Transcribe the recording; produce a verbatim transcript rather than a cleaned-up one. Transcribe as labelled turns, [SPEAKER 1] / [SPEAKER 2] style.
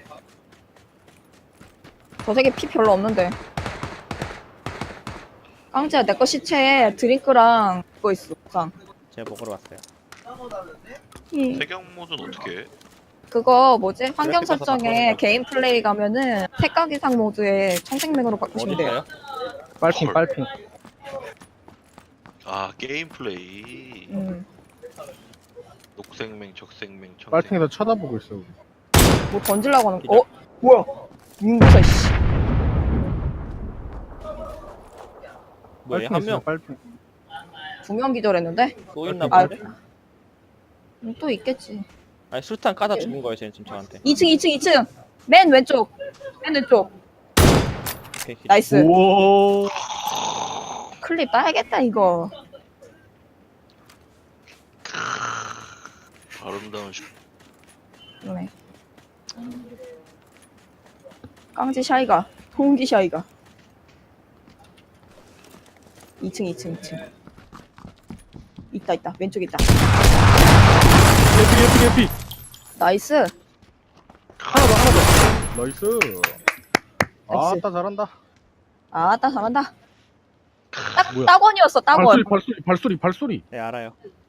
[SPEAKER 1] 저 새끼 피 별로 없는데. 깡지야, 내 거 시체에 드링크랑 그거 있어. 상.
[SPEAKER 2] 제가 먹으러 왔어요.
[SPEAKER 1] 이.
[SPEAKER 3] 태경 모드는 어떻게 해?
[SPEAKER 1] 그거 뭐지? 환경
[SPEAKER 2] 그래픽 가서
[SPEAKER 1] 설정에
[SPEAKER 2] 바꿔놓은
[SPEAKER 1] 개인 플레이 가면은 색각 이상 모드에 청색맥으로 바꾸시면
[SPEAKER 2] 어디
[SPEAKER 1] 돼요.
[SPEAKER 2] 있어요?
[SPEAKER 4] 빨핑
[SPEAKER 3] 헐.
[SPEAKER 4] 빨핑.
[SPEAKER 3] 아 게임 플레이.
[SPEAKER 1] 음.
[SPEAKER 3] 녹색맹, 적색맹, 청색.
[SPEAKER 4] 빨핑에서 쳐다보고 있어. 우리.
[SPEAKER 1] 뭐 던질라고 하는 거?
[SPEAKER 2] 기절.
[SPEAKER 1] 어? 뭐야? 윤구사 씨.
[SPEAKER 2] 뭐예요?
[SPEAKER 4] 빨핑
[SPEAKER 2] 한
[SPEAKER 4] 있어요,
[SPEAKER 2] 명
[SPEAKER 4] 빨핑.
[SPEAKER 1] 두 명 기절했는데?
[SPEAKER 2] 또 있나
[SPEAKER 1] 아,
[SPEAKER 2] 본데?
[SPEAKER 1] 음, 또 있겠지.
[SPEAKER 2] 아니 술탄 까다 죽은 거예요, 쟤는 지금 저한테.
[SPEAKER 1] 이 층, 이 층, 이 층. 맨 왼쪽. 맨 왼쪽.
[SPEAKER 2] 오케이, 기절.
[SPEAKER 1] 나이스.
[SPEAKER 4] 오.
[SPEAKER 1] 클립 따야겠다 이거.
[SPEAKER 3] 아름다운 슈.
[SPEAKER 1] 그러네. 깡지 샤이가. 통기 샤이가. 이 층, 이 층, 이 층. 있다, 있다. 왼쪽 있다.
[SPEAKER 4] 예피 예피 예피.
[SPEAKER 1] 나이스.
[SPEAKER 4] 하나 더 하나 더. 나이스.
[SPEAKER 1] 나이스.
[SPEAKER 4] 아따 잘한다.
[SPEAKER 1] 아, 따 잘한다. 딱,
[SPEAKER 4] 뭐야?
[SPEAKER 1] 따권이었어, 따권.
[SPEAKER 4] 발소리 발소리 발소리 발소리.
[SPEAKER 2] 네 알아요.